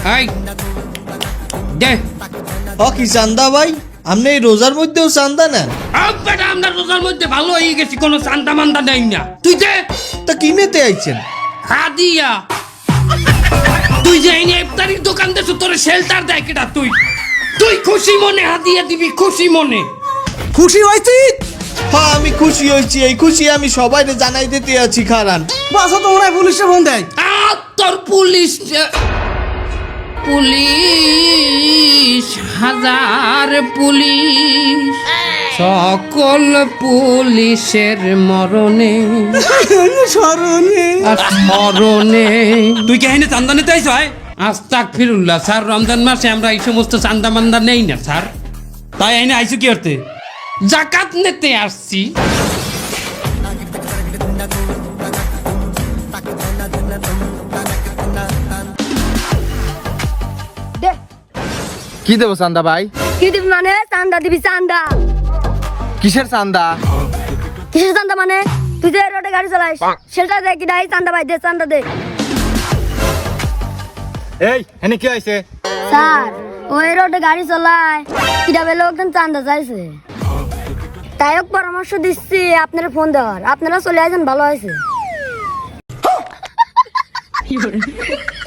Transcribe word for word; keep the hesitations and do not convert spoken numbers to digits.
এই দে ও কি চান্দা ভাই, আপনি এই রোজার মধ্যেও চান্দা নেন? বেটা আমরা রোজার মধ্যে ভালো হয়ে গেছি, কোনো চান্দা মান্দা নেই না। তুই দে। তা কিনেতে আইছেন? হাদিয়া। তুই যে এই ইফতারির দোকান দেছো, তোর শেল্টার দেয় কেটা? তুই তুই খুশি মনে হাদিয়া দিবি, খুশি মনে। খুশি হয়েছি? হ্যাঁ আমি খুশি হয়েছি, এই খুশি আমি সবাইকে জানাই দিতে আছি। খারান বাসা তো মনে হয় পুলিশে ফোন দেয়। আর তোর পুলিশ পুলিশ হাজার পুলিশ, সকল পুলিশের মরণে স্মরণে আর স্মরণে। তুই কে এনে চান্দা নিতে আইস? হয় আস্তাগফিরুল্লাহ স্যার, রমজান মাসে আমরা এই সমস্ত চান্দা মান্দা নেই না স্যার। তাই এনে আইসু কি করতে? জাকাত নিতে আসছি। কি দেবো চান্দা ভাই? কি দিবি মানে? চান্দা দিবি? চান্দা কিসের চান্দা? কিসের চান্দা মানে? তুই যে রোডে গাড়ি চালাইস সেটা দে কি নাই? চান্দা ভাই দে, চান্দা দে। এই এনে কি হয়েছে? স্যার ওই রোডে গাড়ি চালায় কিভাবে লোকজন চান্দা চাইছে, তাই হোক পরামর্শ দিচ্ছি আপনারা ফোন দেওয়ার। আপনারা চলে আসেন, ভালো হয়েছে।